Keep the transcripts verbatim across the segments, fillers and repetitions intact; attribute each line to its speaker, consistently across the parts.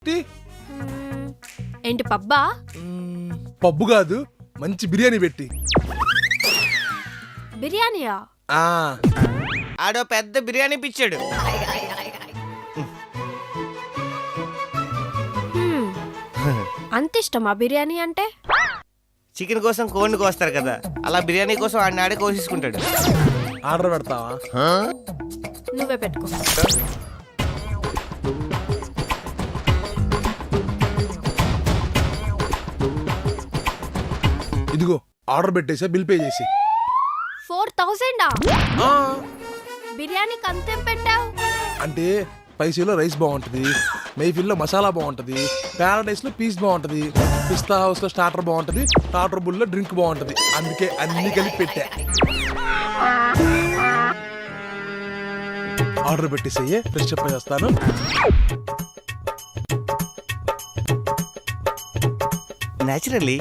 Speaker 1: Tea
Speaker 2: మ్మ్. ఏంటి పబ్బా?
Speaker 1: మ్మ్, pub కాదు, మంచి బిర్యానీ పెట్టి.
Speaker 2: బిర్యానీయా?
Speaker 1: ఆ
Speaker 3: ఆడో పెద్ద బిర్యానీ పిచ్చాడు.
Speaker 2: మ్మ్. అంత ఇష్టమా బిర్యానీ అంటే?
Speaker 3: చికెన్ కోసం కోడిని కోస్తారు కదా, అలా బిర్యానీ కోసం ఆడిని ఆడే కోసేసుకుంటాడు.
Speaker 1: ఆర్డర్ పెడతావా?
Speaker 2: నువ్వే పెట్టుకో.
Speaker 1: ఇదిగో ఆర్డర్ పెట్టేసా, బిల్ పే చేసి.
Speaker 2: ఫోర్ థౌజండా? బిర్యానీకి అంతేం పెట్టావు?
Speaker 1: అంటే స్పైసీలో రైస్ బాగుంటుంది, మైఫిల్లో మసాలా బాగుంటుంది, ప్యారడైస్ లో పీస్ బాగుంటుంది, పిస్తా హౌస్ లో స్టార్టర్ బాగుంటుంది, టాటర్ బుల్ లో డ్రింక్ బాగుంటుంది. అందుకే అన్ని కలిపి పెట్టా. ఆర్డర్ పెట్టేసయ్యే, ఫ్రెష్ అప్ అయి వస్తాను.
Speaker 3: న్యాచురల్లీ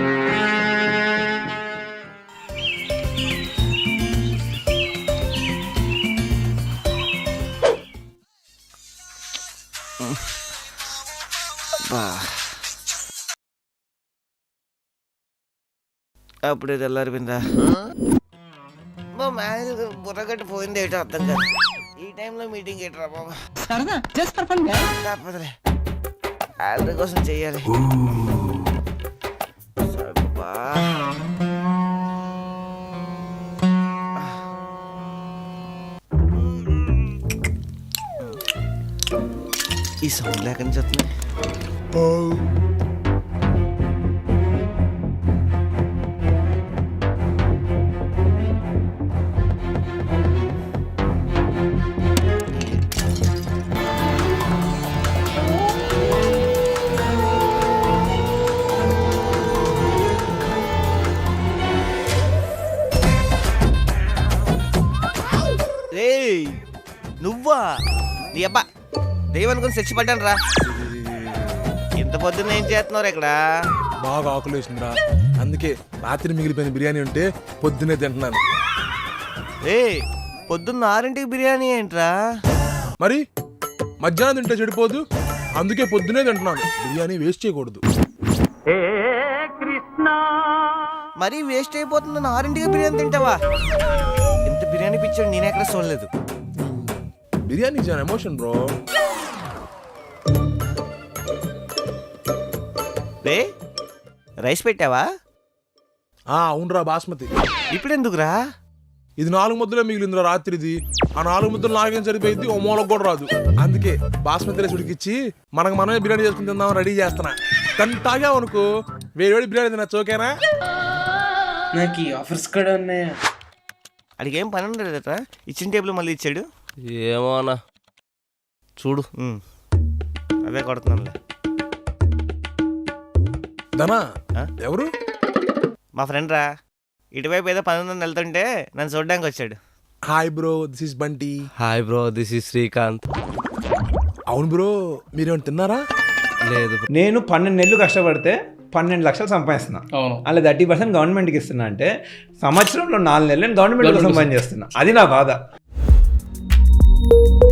Speaker 3: అప్పుడే తెల్లారిపోయిందా? మా మేనేజర్ బుర్రగట్టు పోయింది ఏటో అర్థం కాదు. ఈ టైంలో మీటింగ్ ఏంట్రా బాబా? తప్పదులే, ఆర్డర్ కోసం చెయ్యాలి. సబ్బా. ఈ సౌండ్ లేకని చెప్తున్నా. రేయ్ నువ్వా? నీ అబ్బా దైవం అనుకుని చచ్చి పడ్డాను రా. ఇంత పొద్దున్న ఏం చేస్తున్నావు ఇక్కడ?
Speaker 1: బాగా ఆకులేసిందిరా, అందుకే రాత్రి మిగిలిపోయిన బిర్యానీ ఉంటే పొద్దునే తింటున్నాను.
Speaker 3: రే పొద్దున్న ఆరింటికి బిర్యానీ ఏంట్రా?
Speaker 1: మరి మధ్యాహ్నం తింటే చెడిపోదు, అందుకే పొద్దునే తింటున్నాను. బిర్యానీ వేస్ట్ చేయకూడదు.
Speaker 3: మరీ వేస్ట్ అయిపోతుంది, ఆరింటికి బిర్యానీ తింటావా? ఇంత బిర్యానీ పిచ్చాడు నేను ఎక్కడ చూడలేదు.
Speaker 1: Biryani is an emotion bro.
Speaker 3: రే రైస్ పెట్టావా?
Speaker 1: ఆ అవునరా, బాస్మతి.
Speaker 3: ఇప్పుడెందుకురా?
Speaker 1: ఇది నాలుగు ముద్దలే మిగిలిందిరా రాత్రిది. ఆ నాలుగు ముద్దలు నాలుగేం సరిపోయింది, ఓ మూలకు కూడా రాదు. అందుకే బాస్మతి రైస్ ఉడికిచ్చి మనకు మనమే బిర్యానీ చేసుకుని తిందామని రెడీ చేస్తున్నా. కానీ తాగామనుకో వేడి వేడి బిర్యానీ తిన్నా చోకేనా?
Speaker 4: నాకు ఆఫర్స్ కూడా ఉన్నాయా?
Speaker 3: అడిగి ఏం పని ఉండలేదట, ఇచ్చిన టేబుల్ మళ్ళీ ఇచ్చాడు.
Speaker 5: ఏమో అన్న చూడు.
Speaker 3: అదే కొడుతున్నానులే.
Speaker 1: ధనా
Speaker 3: ఆ?
Speaker 1: ఎవరు?
Speaker 3: మా ఫ్రెండ్ రా, ఇటువైపు ఏదో పని ఉందని వెళ్తుంటే నన్ను చూడడానికి వచ్చాడు.
Speaker 1: Hi bro, this is Bunty.
Speaker 5: Hi bro, this is Srikanth.
Speaker 1: అవును బ్రో, మీరేమైనా తిన్నారా?
Speaker 5: లేదు
Speaker 6: నేను పన్నెండు నెలలు కష్టపడితే పన్నెండు లక్షలు సంపాదిస్తున్నా. అలా థర్టీ పర్సెంట్ గవర్నమెంట్కి ఇస్తున్నా అంటే సంవత్సరంలో నాలుగు నెలలు నేను గవర్నమెంట్ కోసం పని చేస్తున్నా. అది నా బాధ.